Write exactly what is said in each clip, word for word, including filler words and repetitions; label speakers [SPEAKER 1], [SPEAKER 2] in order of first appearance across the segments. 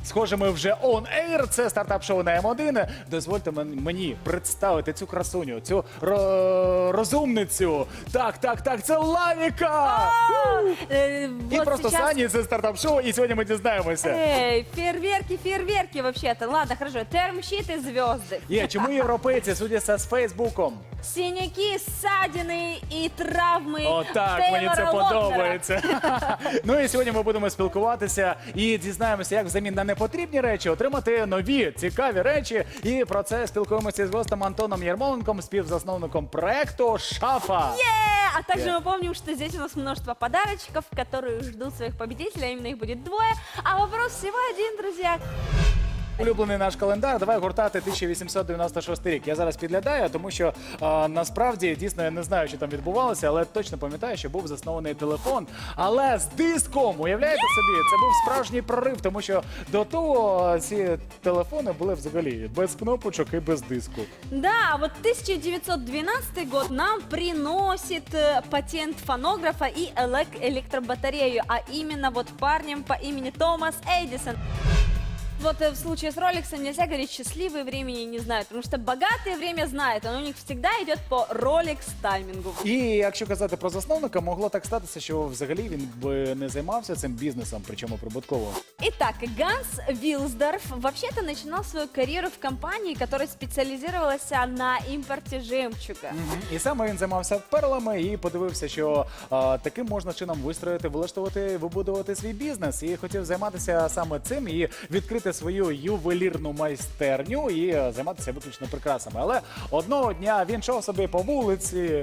[SPEAKER 1] Схоже, ми вже on air. Це стартап-шоу на М один. Дозвольте мен- мені представити цю красуню, цю ро- розумницю. Так, так, так, це Лавіка!
[SPEAKER 2] Э,
[SPEAKER 1] І
[SPEAKER 2] вот
[SPEAKER 1] просто
[SPEAKER 2] сейчас-
[SPEAKER 1] Сані, це стартап-шоу, і сьогодні ми дізнаємося.
[SPEAKER 2] Эй, фейерверки, фейерверки вообще-то. Ладно, хорошо. Термщит и звезды.
[SPEAKER 1] Є, чому європейці судяться з Фейсбуком?
[SPEAKER 2] Синяки, ссадины и травмы
[SPEAKER 1] О, так, мені це
[SPEAKER 2] Тейлора Лотнера.
[SPEAKER 1] подобається. Ну і сьогодні ми будемо спілкуватися і дізнаємося, як взамін на непотрібні речі отримати нові цікаві речі. І про це спілкуємося з гостем Антоном Ярмоленком, співзасновником проекту «Шафа».
[SPEAKER 2] Э, А также
[SPEAKER 1] Yeah.
[SPEAKER 2] мы помним, что здесь у нас множество подарочков, которые ждут своих победителей, а именно их будет двое. А вопрос всего один, друзья.
[SPEAKER 1] Улюблений наш календар. Давай гуртати тисяча вісімсот дев'яносто шостий рік. Я зараз підглядаю, тому що а, насправді дійсно я не знаю, що там відбувалося, але точно пам'ятаю, що був заснований телефон. Але з диском, уявляєте собі, це був справжній прорив, тому що до того ці телефони були взагалі без кнопочок і без диску.
[SPEAKER 2] Да, а вот тысяча девятьсот двенадцатый год нам приносит э, патент фонографа и элек- электробатарею, а именно вот парнем по имени Томас Эдисон. Вот э, в случае с Роликсом нельзя говорить счастливые времени не знают, потому что богатые время знают, оно у них всегда идет по Rolex таймингу.
[SPEAKER 1] І якщо казати про засновника, могло так статися, що взагалі він би не займався цим бізнесом, причому прибутково.
[SPEAKER 2] Итак, Ганс Вилсдорф вообще-то начинал свою карьеру в компании, которая специализировалась на импорте жемчуга.
[SPEAKER 1] І саме він займався перлами і подивився, що а, таким можна чином вистроїти, влаштувати, вибудувати свій бізнес. І хотів займатися саме цим і відкрити свою ювелірну майстерню і е, займатися виключно прикрасами. Але одного дня він йшов собі по вулиці.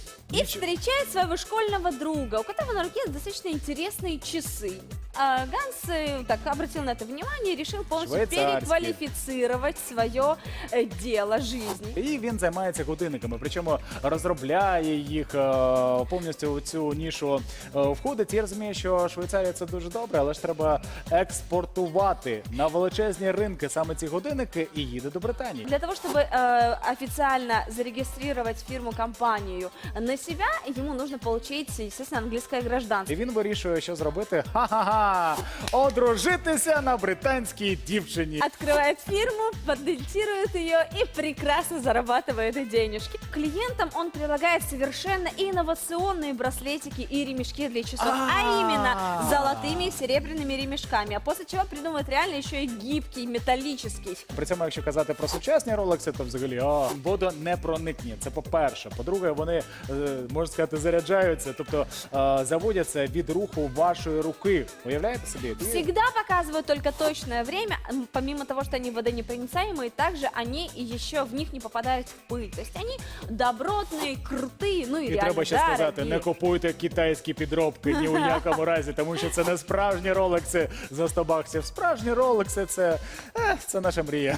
[SPEAKER 2] И встречает своего школьного друга, у которого на руке достаточно интересные часы. А Ганс э, так обратил на это внимание и решил полностью
[SPEAKER 1] Швейцарские.
[SPEAKER 2] переквалифицировать свое э, дело жизни.
[SPEAKER 1] І він займається годинниками, причому розробляє їх е, повністю у цю нішу е, входить. І розуміє, що Швейцарія це дуже добре, але ж треба експортувати на величезні ринки саме ці годинники і їде до Британії.
[SPEAKER 2] Для того, чтобы э, официально зарегистрировать фирму-компанию на себя, ему нужно получить, естественно, английское гражданство.
[SPEAKER 1] І він вирішує, що зробити. Ха-ха-ха! Одружитися на британській дівчині.
[SPEAKER 2] Открывает фирму, патентирует ее и прекрасно зарабатывает денежки. Клиентам он предлагает совершенно инновационные браслетики и ремешки для часов, а именно с золотыми и серебряными ремешками. А после чего придумывает реально еще и гибкий, металлический.
[SPEAKER 1] При цьому, якщо казати про сучасні ролекси, то взагалі а, водонепроникні. Це по-перше. По-друге, вони, е, можна сказати, заряджаються, тобто е, заводяться від руху вашої руки. Уявляєте собі? І-
[SPEAKER 2] Всегда показывают только точное время, м, помимо того, что они водонепроницаемые, также они и еще в них не попадают в пыль. То есть они добротные, крутые, ну и,
[SPEAKER 1] І
[SPEAKER 2] реально
[SPEAKER 1] треба ще сказати,
[SPEAKER 2] дорогие.
[SPEAKER 1] не купуйте китайські підробки ні у якому разі, тому що це не справжні ролекси за сто баксів. Справжні ролекси це, е, це наша мрія.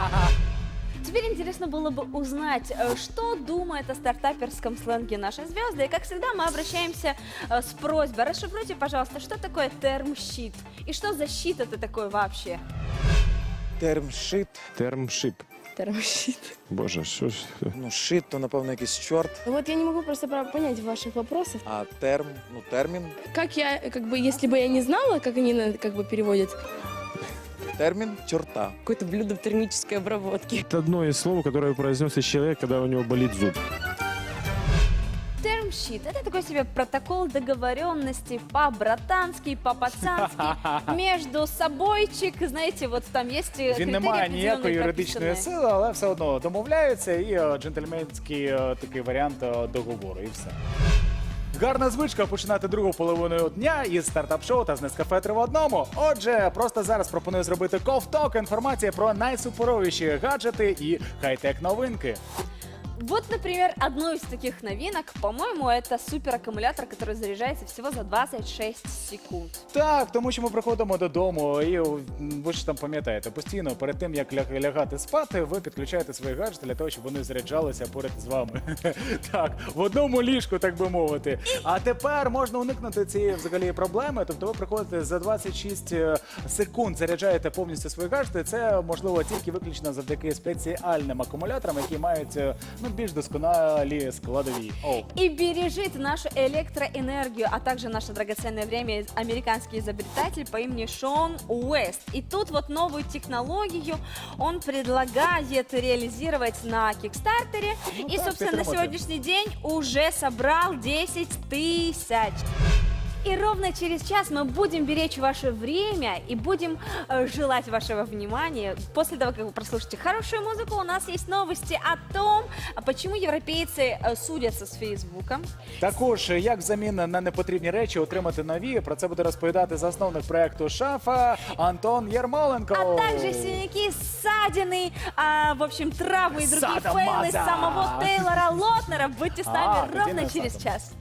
[SPEAKER 2] Теперь интересно было бы узнать, э, что думает о стартаперском сленге наши звезды. И как всегда мы обращаемся э, с просьбой. Расшифруйте, пожалуйста, что такое термщит? И что за щит это такой вообще?
[SPEAKER 3] Термшит.
[SPEAKER 4] Термшип.
[SPEAKER 5] Термощит.
[SPEAKER 4] Боже, що ж.
[SPEAKER 3] Ну, шит, то, напевно, якийсь чорт.
[SPEAKER 5] Вот я не могу просто про- понять ваших вопросов.
[SPEAKER 3] А терм, ну, термін.
[SPEAKER 5] Как я, как бы, если бы я не знала, как они на- как бы переводят,
[SPEAKER 3] Термін чорта.
[SPEAKER 5] какое-то блюдо в термической обработке.
[SPEAKER 4] Это одно из слов, которое произносит человек, когда у него болит зуб.
[SPEAKER 2] Термщит – это такой себе протокол договоренности по-братански, по-пацански, между собойчик, знаете, вот там есть э,
[SPEAKER 1] Він не
[SPEAKER 2] критерии
[SPEAKER 1] має ніякої
[SPEAKER 2] определенные
[SPEAKER 1] юридичної
[SPEAKER 2] прописанные.
[SPEAKER 1] сили, але все одно домовляються і е, джентльменський е, такий варіант е, договору, і все. Гарна звичка починати другу половину дня із стартап-шоу та з Нескафе три в одному. Отже, просто зараз пропоную зробити ковток інформації про найсуперовіші гаджети і хай-тек новинки.
[SPEAKER 2] Вот, например, одну из таких новинок, по-моему, это супераккумулятор, который заряжается всего за двадцать шесть секунд.
[SPEAKER 1] Так, тому що ми приходимо додому, і м, ви ж там пам'ятаєте, постійно перед тим, як ляг- лягати спати, ви підключаєте свої гаджети для того, щоб вони заряджалися поряд з вами. Так, в одному ліжку, так би мовити. А тепер можна уникнути цієї взагалі проблеми. Тобто ви приходите за двадцять шість секунд, заряджаєте повністю свої гаджети. Це можливо тільки виключно завдяки спеціальним акумуляторам, які мають, е, ну ну, більш досконалі складові. Оу.
[SPEAKER 2] И бережет нашу электроэнергию, а также наше драгоценное время американский изобретатель по имени Шон Уэст. И тут вот новую технологию он предлагает реализовать на Кикстартере.
[SPEAKER 1] Ну
[SPEAKER 2] И,
[SPEAKER 1] так,
[SPEAKER 2] собственно, на
[SPEAKER 1] підтримати.
[SPEAKER 2] сегодняшний день уже собрал десять тысяч. И ровно через час мы будем беречь ваше время и будем э, желать вашего внимания. После того, как вы прослушаете хорошую музыку, у нас есть новости о том, а почему европейцы э, судятся с Фейсбуком.
[SPEAKER 1] Також, як взамін на непотрібні речі отримати нові, про це буде розповідати засновник проекту «Шафа» Антон Єрмоленко.
[SPEAKER 2] А также синяки, ссадины, а, в общем, травмы и другие
[SPEAKER 1] Садомаза.
[SPEAKER 2] фейлы самого Тейлора Лотнера. Будьте с нами
[SPEAKER 1] А,
[SPEAKER 2] ровно
[SPEAKER 1] где
[SPEAKER 2] через
[SPEAKER 1] Садом?
[SPEAKER 2] час.